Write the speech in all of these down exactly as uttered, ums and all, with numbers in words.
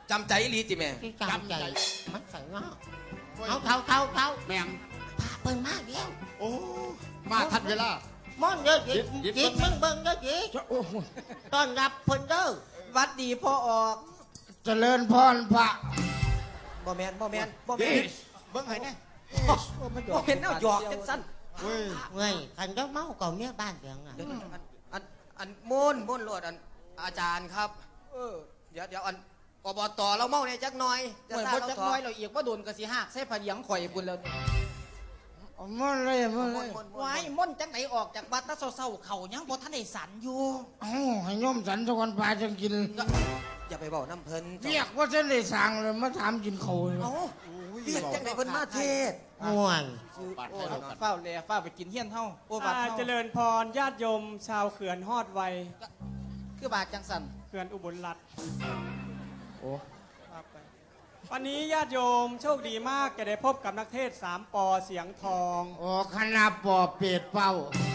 จำใจลีติแม่จำใจมันใส่เงาเอาเท่าเท่าเท่าแม่งพาเปิ้นมากเดียวโอ้มาทันเวลาม่อนเยอะจิจิมึงเบิ่งเยอะจิต้อนรับเพิ่นเด้อวัดดีพ่อออกเจริญพรพระบ่แมนบ่แมนบ่แมนเบิ่งให้แน่บ่เห็นเอาหยอกจังสั้นเว้ยเว้ยคันเจ้าเมาเก่าเมียบ้านเพียงอ่ะอันอันม่นม่นโลดอันอาจารย์ครับเออเดี๋ยวเดี๋ยวอันอบตเราเมาเนี่ยจักหน่อยเหมือนพจักน้อยเราเอียกว่าโดนกระสีหักใส่ผ้าเหลียงข่อยบุญแล้วม่นเลยม่นเลยว้ายม่นจังไหนออกจากบ้านตาเศร้าๆเขายังบ่ทันได้สันอยู่อ๋อให้ย่อมสันทุกวันปลาจังกินอย่าไปบอกน้ำเพลินเรียกว่าฉันได้สั่งเลยมาถามกินเขาเลยเอ้าเรียกจังไหนเพิ่นมาเทศม่วนเฝ้าแลเฝ้าไปกินเฮี้ยนเฮาโอ้บาดเจริญพรญาติโยมชาวเขื่อนฮอดไวคือบาดจังสันเขื่อนอุบลรัตน์โอ้วันนี้ญาติโยมโชคดีมากจะได้พบกับนักเทศสามปอเสียงทองโอ้คณะปอเป็ดเป้า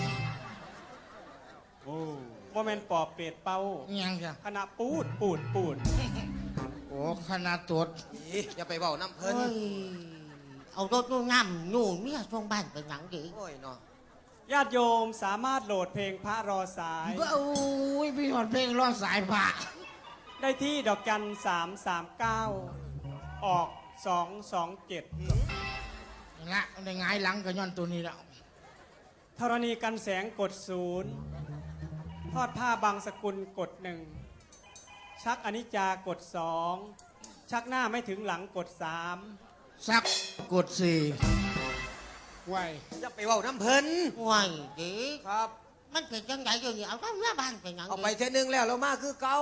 โอ้โมเมนต์ปอเป็ดเป้ายังจ้ะคณะปูดปูดปูดโอ้คณะตัวอย่าไปบอกน้ำเพลินเอารถนู่นง่ำนู่นเมียช่วงบ้านเป็นหนังดีโอ้ยเนาะญาติโยมสามารถโหลดเพลงพระรอสายโอ้ยพี่หอดเพลงรอสายพระได้ที่ดอกจันสามสามเก้าออกสองสองเจ็ดละในไงหลังก็ย้อนตัวนี้แล้วธรณีกันแสงกดศูนย์ทอดผ้าบางสกุลกดหนึ่งชักอนิจจากดสองชักหน้าไม่ถึงหลังกดสามชักกดสี่ไหวอย่าไปบอกน้ำเพลินไหวดีครับมันเป็นจังไงอยู่นี่เอาเข้าเมื่อบ้านเป็นยังเอาไปเท่นึงแล้วเรามาคือเก่า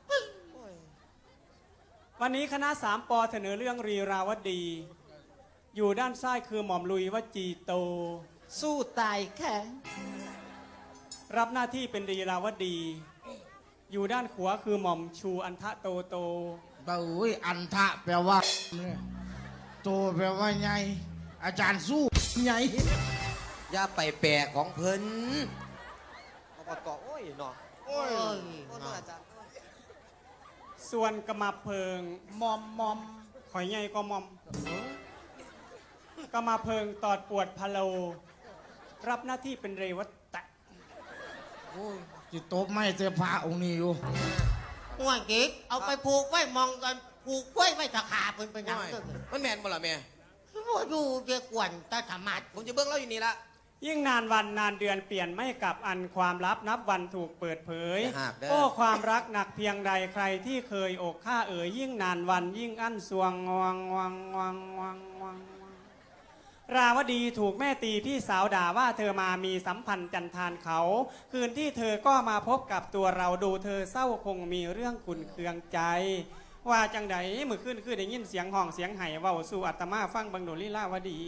วันนี้คณะสามปอเสนอเรื่องรีราวดีอยู่ด้านซ้ายคือหม่อมลุยวจีโตสู้ตายแค่รับหน้าที่เป็นรีราวดีอยู่ด้านขวาคือหม่อมชูอันทะโตโตเบ้ยอันทะแปลว่าโตแปลว่าไงอาจารย์สู้ไงอย่าไปแปลของเพิ่นอบตโอ้ยเนาะโอ้ยอาจารย์ส่วนกระมาเพิงมอมมอมหอยใหญ่ก็มอมกระมาเพิงตอดปวดพะโลรับหน้าที่เป็นเรวัตตะโอ้ยจิตโตไม่เจอพระองค์นี้อยู่ห่วงกิ๊กเอาไปผูกไว้มองกันผูกไว้ไม่ตะขาเป็นเป็นยังไงมันแมนบ่ล่ะแม่ว่าอยู่เกี่ยกวนตาธรรมะผมจะเบิ้งเล่าอยู่นี่ละยิ่งนานวันนานเดือนเปลี่ยนไม่กลับอันความลับนับวันถูกเปิดเผยโอ้ความรักหนักเพียงใดใครที่เคยอกข้าเอ๋ยยิ่งนานวันยิ่งอั้นสวงวังวังวังวังวังราวดีถูกแม่ตีพี่สาวด่าว่าเธอมามีสัมพันธ์จันทานเขาคืนที่เธอก็มาพบกับตัวเราดูเธอเศร้าคงมีเรื่องขุ่นเคืองใจว่าจังใดมือขึ้นขึ้นได้ยินเสียงห้องเสียงไห้เว้าสู่อัตมาฟังบังโดลีลาวดี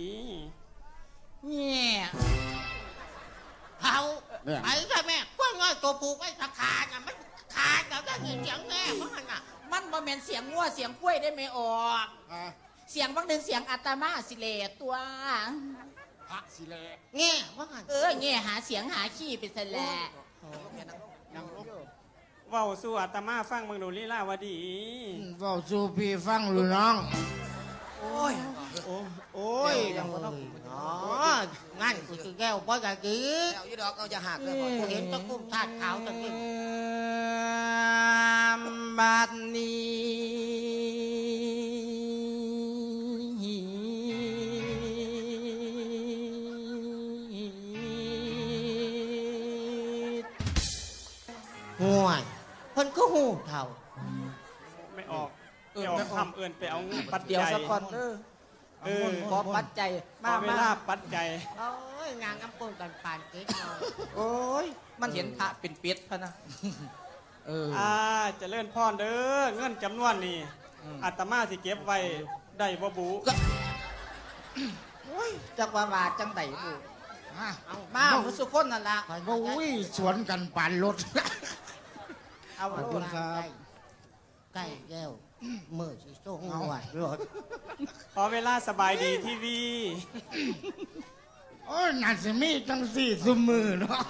เนี่ยเขาไอ้ใช่แม่กว้างง่ายตัวผูกไอ้ตะขาเนี่ยมันขาดแล้วก็เสียงแม่เพราะมันอ่ะมันบ่แม่นเสียงงัวเสียงกล้วยได้ไม่ออกเสียงบางหนึ่งเสียงอัตมาสิเลตัวพระสิเลเงี้ยว่าไงเออเงี้ยหาเสียงหาขี้เป็นสแลเว้าสู่อัตมาฟังบังโดลีลาวดีเว้าสู่พี่ฟังหรือน้องโอ้ยโอ้ยยังไม่ต้องงั้นกูจะแก้วป้อยกะกี้เอายี่ดอกเอาจะหักเลยเห็นตะกุ้มธาตุขาวตะกี้บัดนี้ห่วยเพิ่นก็หูเท่าไม่ออกเออไม่ทำเอื่นไปเอาปัดเดียวสักคนเออเออขอปัดใจมาเวลาปัดใจโอ้ยงานน้ำปูนกันปานเก๊กเนาะโอ้ยมันเห็นพระเป็นเป็ดพะนะเอออ่าจะเลื่อนพรเด้อเงินจำนวนนี่อาตมาสิเก็บไว้ได้บ่บุจักว่าว่าจังไดบุมาผู้สุคนนั่นละโอ้ยสวนกันปานรถเอาขอบคุณครับใกล้แก้วเมื่อสิส่งเอาวัดรถขอเวลาสบายดีทีวีโอ้ยน่าจะมีตั้งสี่สมือเนาะ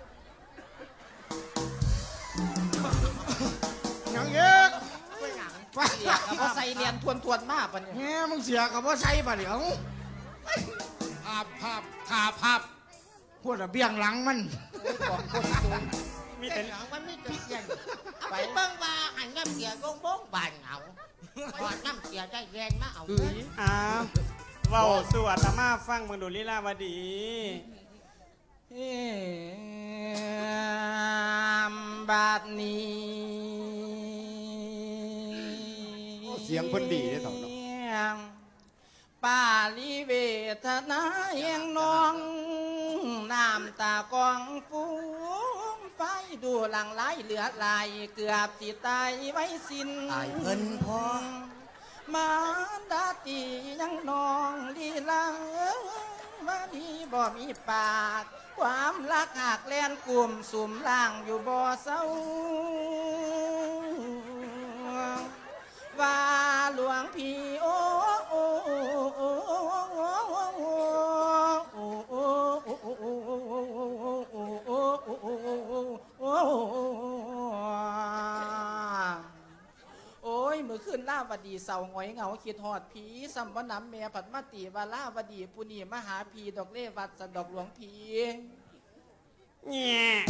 ยังเยอะเสียกับว่าใส่เรียนทวนทวนๆมากปะเนี่ยแง่มึงเสียกับว่าใช่ปะเดี๋ยวภาพภาพขาภาพพวกระเบียงหลังมันของคนสูงมีเป็แต่นหยังมันไม่ติดเย็นไปเบิ่งว่าหันน้ำเสียโบ้งโบ้งบานเอาพอน้ำเสียได้เรียนมาเอาเงินอ้าวเว้าสู่อาตมาฟังมึงดูลีลาวดีเอ็มบาดนี้เสียงเพิ่นดีได้อเถ่าเนาะป้าลิเวทนาเองน้องน้ำตากองฟูงไฟดูหลังไหลเหลือไหลเกือบสิตายไว้สิ้นตายเพิ่นพ่อมาดาตียังนองลีลาว่าดีบ่มีปาก ความรักหักแลนกลุ่มสุ่มล่างอยู่บ่เศร้าว่าหลวงพี่โอ้โอ้โอ้โอ้โอ้โอ้โอ้โอ้โอ้โอ้ยมือขึ้นล่าวดีเสาหงอยเหงาคิดหอดผีสัมปน้ำเมียผัดมาตีวาล่าวดีปุนีมหาพีดอกเล่วัดสันดอกหลวงพีแง่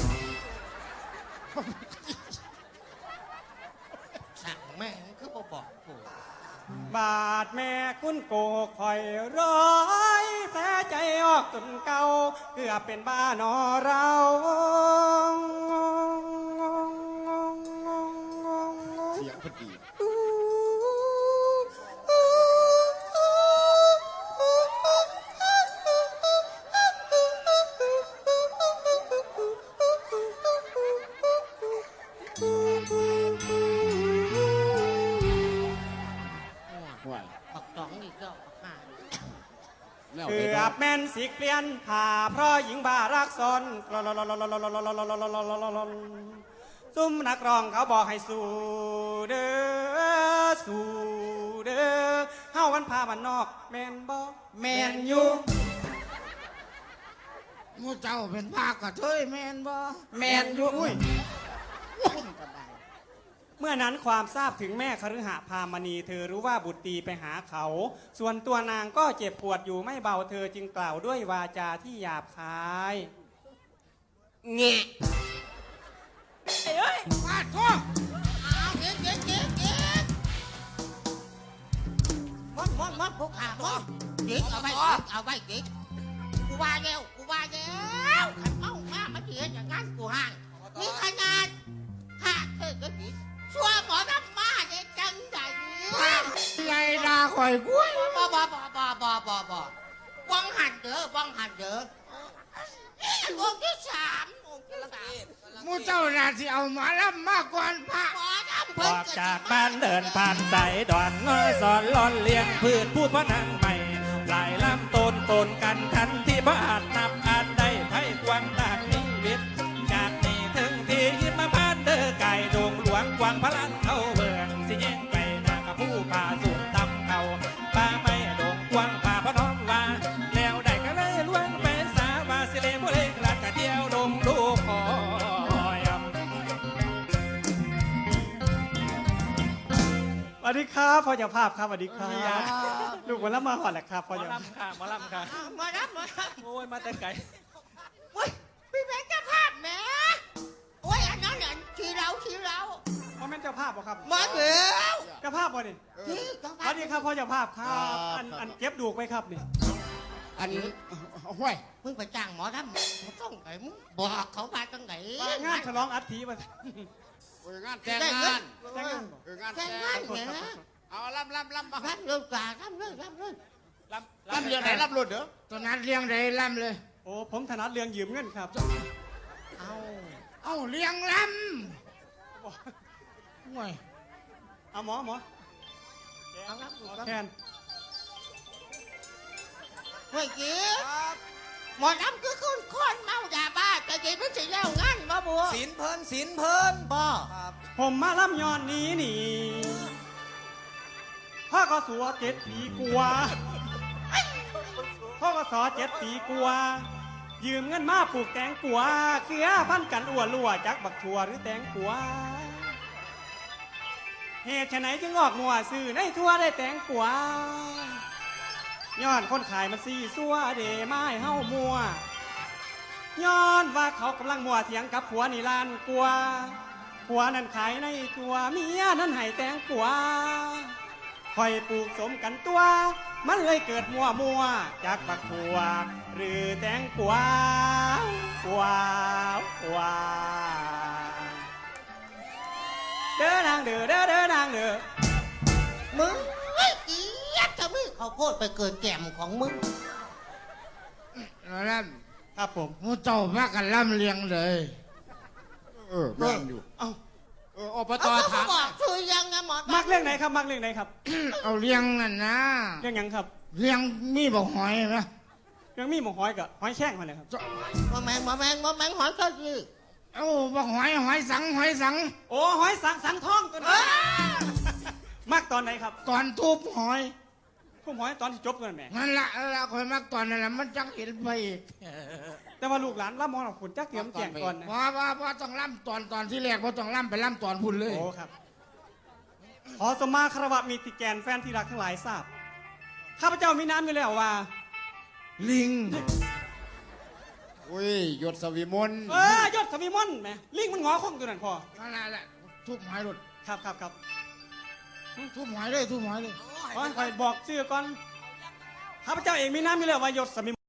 สั่งแม่งคือบ่บอกกูบาดแม่คุณโกคอยร้อยแผลใจออกจนเก่าเกือบเป็นบ้านอเราเสียงเพิ่นดี ห่วยบักตองอีกแล้วบักห่าแล้วเกืได้อบแม่นสิเปลี่ยนผ่าเพราะหญิงบ้ารักซนซุ่มนักร้องเขาบอกให้สู้เด้อสู้เด้อเฮาวันพาบ้านนอกแม่นบ่แมนอยู่มูเจ้าเป็นภาคกระเทยแมนบ่แมนอยู่อุ้ยเมื่อนั้นความทราบถึงแม่คฤหพามณีเธอรู้ว่าบุตรตีไปหาเขา ส่วนตัวนางก็เจ็บปวดอยู่ไม่เบาเธอจึงกล่าวด้วยวาจาที่หยาบคายเงะฟาดท้องอ้าวเก๊กเก๊กเก๊กเก๊กมอนมอนมอนพวกข่ามอนเก๊กเอาไว้เก๊กเอาไว้เก๊กกูว่าแล้วกูว่าแล้วขันเมามามาเถียงอย่างนั้นกูห่างนี่ขนาดห่าเธอก็ดีชัวหมอน้ำมาเนี่ยจังใดไงดาข่อยกุ้ยบ่บ่บ่บ่บ่บ่บ่วังหันเด้อวังหันเด้อองค์ที่สามองค์ที่สามมูเจ้าน่าสิเอาหมาล่ำมากกว่าพระหมอน้ำอเพิ่นอกจากบ้านเดินผ่านสายดอนง้อยสอนลอนเลี้ยงพืชพูดพนังใหม่หลายลำต้นตนกันทันที่บ้านนับอาจได้ไพ่กวางตากนิวิตจากนี้ถึงที่ยิมมาบ้านเด้อไก่ดงหลวงกวางพลันเข้าเบืองสิแย่งไปนางกับผู้ป่าสูงตำเขาป่าไม่ดงกวางป่าพน้อมว่าแล้วได้ก็เลยล้วงไปสาวาสิเลบุเล็กลากกะเดียวดงลูกคอยสวัสดีครับพ่อเจ้าภาพครับสวัสดีครับลูกวันละมาหอดแหละครับพ่อเจ้าค่ะมาล่ำค่ะหมอน้ำหมอน้ำโอ้ยมาแต่ไกลโอ้ยพี่แม่เจ้าภาพแหม่โอ้ยอันนั้นอันชีเราชีเราพ่อแม่เจ้าภาพบ่ครับหมอเดียวเจ้าภาพบ่นี่ที่เจ้าสภาวัพสดีครับพ่อเจ้าภาพครับอันอันเก็บดูกไว้ครับนี่อันห่วยมึงไปจ้างหมอน้ำมึงต้องไหนมึงบอกเขามาจังไหนงานฉลองอัฐิมาโอ้ยงานแต่งงานแต่งงานบ่เอองานแต่แต่งงงานเนี่ยนะเอาล่ำล่ำล่ำมารับเรื่องการับเรื่องรับเรื่องรับล่ำเรื่องไหนล่ำรุ่นเด้อตอนนั้นเลี้ยงได้ล่ำเลยโอ้ผมถนัดเรื่องยืมเงินครับเอาเอ้าเลี้ยงล่ำห่วยเอาหมอหมอเอารับดูแทนเฮ้ยกี้หมอน้ำคือคนคนเมายาบ้าแต่กี้ไม่ใช่แล้วงั้นบ่บัวศีลเพิ่นศีลเพิ่นบ่ครับผมมาล่ำย้อนนี้นี่พ่อก็สัวเจ็ดปีกว่าพ่อก็สอเจ็ดปีกว่ายืมเงินมาปลูกแตงกัวเกลือพันกันอ้วนรั่วจักบักชัวหรือแตงกัวเหตุไฉนจึงออกมัวซื้อในทั่วได้แตงกวาย้อนคนขายมันซีซัวเดไม้เฮามัวย้อนว่าเขากำลังมัวเถียงกับผัวนี่ลานกลัวผัวนั่นขายในตัวเมียนั่นให้แตงกวาคอยปลูกสมกันตัวมันเลยเกิดมัวมัวจากบักผัวหรือแตงกวากวากวาเด้อนางเด้อเด้อเด้อนางเด้อมึงไอ้เกียดจะมีข้าวโพดไปเกิดแก้มของมึงแล้วล่ครับผมำมูเจ้าพากันล่ำเลียงเลยเออแม่นอยู่เอ้าเอออบตเอาก็ถามบอกชื่อยังไงหมอมักเรื่องไหนครับมักเรื่องไหนครับเอาเลียงนั่นนะเรื่องหยังครับเลียงมีบอกหอยไหมเรื่องมีหมกหอยกับหอยแข้งมาเลยครับมาแมงมาแมงมาแมงหอยก็ยี่เอ้าบอกหอยหอยสังหอยสังโอ้หอยสังสังทองตัวนี้มักตอนไหนครับตอนทุบหอยพวกหอยตอนที่จบกันแหม่นั่นละนั่นละคอยมักตอนนั่นแหละมันจังเห็นไปอีกแต่ว่าลูกหลานรับมองเราฝุ่นจักเตรียมแจงก่อนนะว่าว่าว่าต้องล่ำตอนตอนที่แรกว่าต้องล่ำไปล่ำตอนพุ่นเลยโอ้ครับ ขอสมมาคารวะมีติแกนแฟนที่รักทั้งหลายทราบข้าพเจ้ามีน้ำอยู่แล้วว่าลิงอุ้ยยศสวีมนเออยศสมีมอนแหมลิงมันงอคงตัวนั้นพอนั่นแหละแหละทุบหอยหลุดครับครับครับทุบหอยเลยทุบหอยเลยขอให้คอยบอกชื่อก่อนข้าพเจ้าเองมีน้ำอยู่แล้วว่ายศสมี